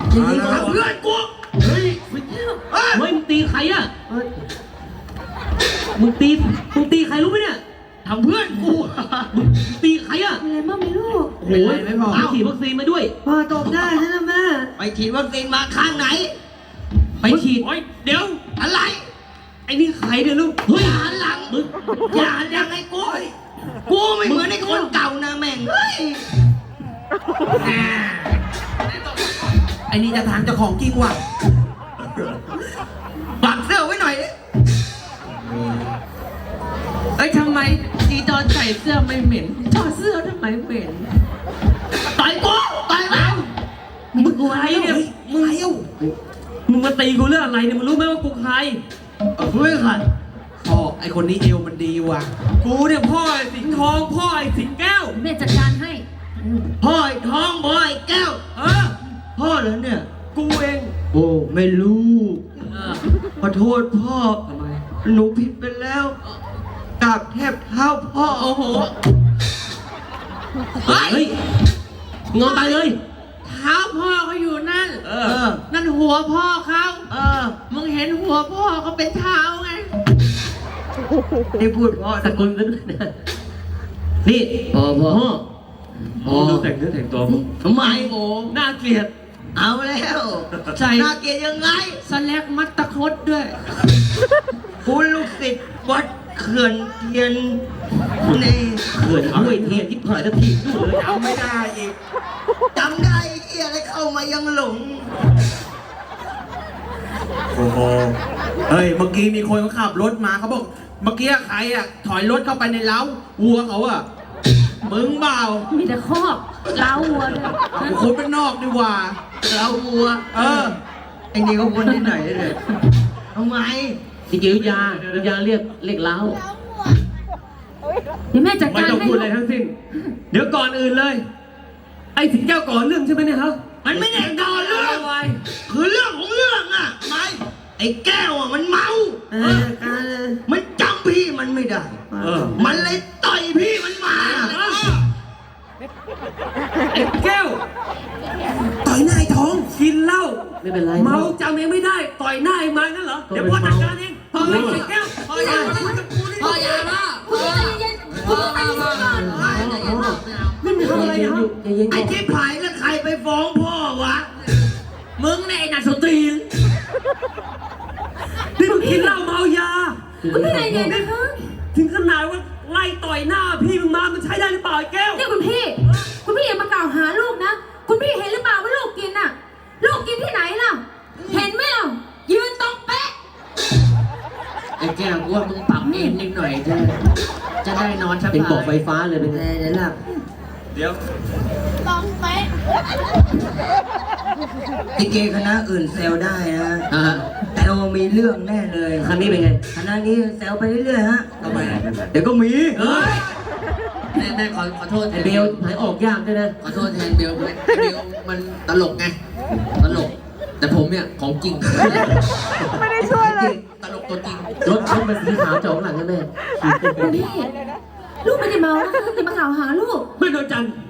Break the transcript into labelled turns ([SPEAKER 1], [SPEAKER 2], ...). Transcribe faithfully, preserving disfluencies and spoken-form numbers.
[SPEAKER 1] ยิงเพื่อนกูเฮ้ยเฮ้ยมึงตีใครอ่ะมึงตีมึงตีใครรู้ไหมเนี่ยทำเพื่อนกูมึงตีใครอ่ะ
[SPEAKER 2] อะไรบ้างไม่รู้
[SPEAKER 1] โอ้ยไม่บอกไปฉีดวัคซีนมาด้วย
[SPEAKER 2] พ่อตบได้ใช่ไหมแม่
[SPEAKER 3] ไปฉีดวัคซีนมาข้างไหน
[SPEAKER 1] ไปฉีดเดี๋ยว
[SPEAKER 3] อะไร
[SPEAKER 1] ไอ้นี่ใครเนี่ยลูก
[SPEAKER 3] เฮ้ยหันหลังมึงอย่าดังไอ้กูกูไม่เหมือนไอ้คนเก่านะแม่งเฮ้ย
[SPEAKER 4] ไอ้นี่จะทางเจ้าของจริงว่ะ
[SPEAKER 3] บังเสื้อไว้หน่อยดิ
[SPEAKER 4] เอ้ยทำไมจีตอนใส่เสื้อไม่เหม็นถอดเสื้อทำไมเหม็น
[SPEAKER 3] ต่อยกูต่อยแล้ว
[SPEAKER 1] มึงใครเนี่ย
[SPEAKER 3] มึงเลี้ยว
[SPEAKER 1] มึงมาตีกูเรื่องอะไรเนี่ยมึงรู้ไหมว่ากูใคร
[SPEAKER 3] เออไม่ใคร
[SPEAKER 4] พ่อไอคนนี้เอวมันดีว่ะ
[SPEAKER 1] กูเนี่ยพ่อไอ้สิงห์ทองพ่อไอ้สิงห์แก้ว
[SPEAKER 2] แม่จัดการให้
[SPEAKER 3] พ่อไอ้ทองพ่อไอ้แก้ว
[SPEAKER 1] เออ
[SPEAKER 3] พ่อเหรอเนี่ย
[SPEAKER 1] กูเอง
[SPEAKER 3] โอ้ไม่รู้ขอโทษพ่อทำไมหนูผิดไปแล้วกราบแทบเท้าพ่อ
[SPEAKER 1] โอ้โหเฮ้ยงอนไปเลย
[SPEAKER 4] เท้าพ่อเขาอยู่นั่น
[SPEAKER 1] เออ
[SPEAKER 4] นั่นหัวพ่อเขา
[SPEAKER 3] เออ
[SPEAKER 4] มึงเห็นหัวพ่อเขาเป็นเท้าไง
[SPEAKER 3] นี่พูดพ่อ
[SPEAKER 1] สกุลนั้นนี่พ่อพ่อพ่อดูแต่งเนื้อแต่งตัวมึง
[SPEAKER 3] ทำไม
[SPEAKER 4] โอ้
[SPEAKER 1] น่าเกลียด
[SPEAKER 3] เอาแล้ว
[SPEAKER 4] ใช่
[SPEAKER 3] น่าเกลียดยังไง
[SPEAKER 4] สแลกมัดตะคดด้วย
[SPEAKER 3] คุณลูกศิษย์วัดเขื่อนเทียนใน
[SPEAKER 1] เขื่อนห้วยเทียนที่ผ่านจะทีดูเลย
[SPEAKER 3] จำไม่ได้อีกจำได้เอียอะไรเข้ามายังหลง
[SPEAKER 4] โอ้โหเฮ้ยเมื่อกี้มีคนเขาขับรถมาเขาบอกเมื่อกี้ใครอ่ะถอยรถเข้าไปในเล้าวัวเขาอ่ะมึงเปล่า
[SPEAKER 2] มีแต่คอกเล้าวัวเลย
[SPEAKER 4] คนเป็นนอกดีกว่า
[SPEAKER 3] เล้าวัว
[SPEAKER 4] เออ
[SPEAKER 3] ไอ้นี่เขาคนที่ไหนเลยทำไม
[SPEAKER 1] จริงๆยายาเรียกเรียกเล้า
[SPEAKER 2] เดี๋ยวแม่จัดการ
[SPEAKER 1] ไม่ต้องพูดอะไรทั้งสิ้นเดี๋ยวก่อนอื่นเลยไอ้สิงแก้วก่อนเรื่องใช่ไหมเนี่ยครับ
[SPEAKER 3] มันไม่ได้ก่อนเรื่องคือเรื่องของเรื่องอ่ะไม่ไอ้แก้วอ่ะมันเมาเออมันจำพี่มันไม่ได้มันเลยต่อยพี่มันมา
[SPEAKER 1] ไอ้แก้ว
[SPEAKER 4] ต่อยหน้าไอ้ท้อง
[SPEAKER 1] กินเหล้า
[SPEAKER 2] ไม่เป็นไร
[SPEAKER 1] เมาจำเองไม่ได้ต่อยหน้าไอ้มันนั่นเหรอเดี๋ยวพ่อจัดการเองพ่อไอ้แก้ว
[SPEAKER 4] พ่ออย่าพ่ออย่ามาพ่อพ่อมามา
[SPEAKER 1] ไม่มีอะไรนะ
[SPEAKER 3] ไอ้ที่ผายแล้วใครไปฟ้องพ่อวะ
[SPEAKER 4] มึงเนี่ยไอ้นักสตรี
[SPEAKER 1] นี่มึงกินเหล้าเมายา
[SPEAKER 2] คุณพี่นายเนี่ยนะคะ
[SPEAKER 1] ถึงขนาดว่าไล่ต่อยหน้าพี่มึงมามันใช้ได้หรือเปล่าแก้ว
[SPEAKER 2] เนี่ยคุณพี่คุณพี่อย่ามากล่าวหาลูกนะคุณพี่เห็นหรือเปล่าว่าลูกกินน่ะลูกกินที่ไหนล่ะเห็นไหมล่ะยืนตรงเป๊ะ
[SPEAKER 4] ไอ้แก้วว่ามึงปรับเองนิดหน่อยจะจะได้นอนสบาย
[SPEAKER 1] เป็นบอกไฟฟ้าเลยเป็นไง
[SPEAKER 3] เดี๋ยวหลับ
[SPEAKER 1] เดี๋ยว
[SPEAKER 2] ตรงเป๊ะ
[SPEAKER 3] ลิเกคณะอื่นแซวได้นะแต่เรามีเรื่องแน่เลย
[SPEAKER 1] ครั้งนี้เป็นไง
[SPEAKER 3] คณะนี้แซวไปเรื่อยๆฮะ
[SPEAKER 4] ทำไม
[SPEAKER 3] เดี๋ยวก็มี
[SPEAKER 4] เฮ้ยแม่แม่ขอขอโทษ
[SPEAKER 1] ไอเบลหายออกยากด้วยนะ
[SPEAKER 4] ขอโทษแทนเบลด้วยเบลมันตลกไงตลกแต่ผมเนี่ยของจริง
[SPEAKER 2] ไม่ได้ช่วยเลย
[SPEAKER 4] ตลกตัวจริง
[SPEAKER 1] รถรถมันสีขาวจอดหลังกันแม่
[SPEAKER 2] คุณพี่ลูกไม่ได้เมานะคะจะมาข่าวหาลูก
[SPEAKER 1] ไม่โดนจัน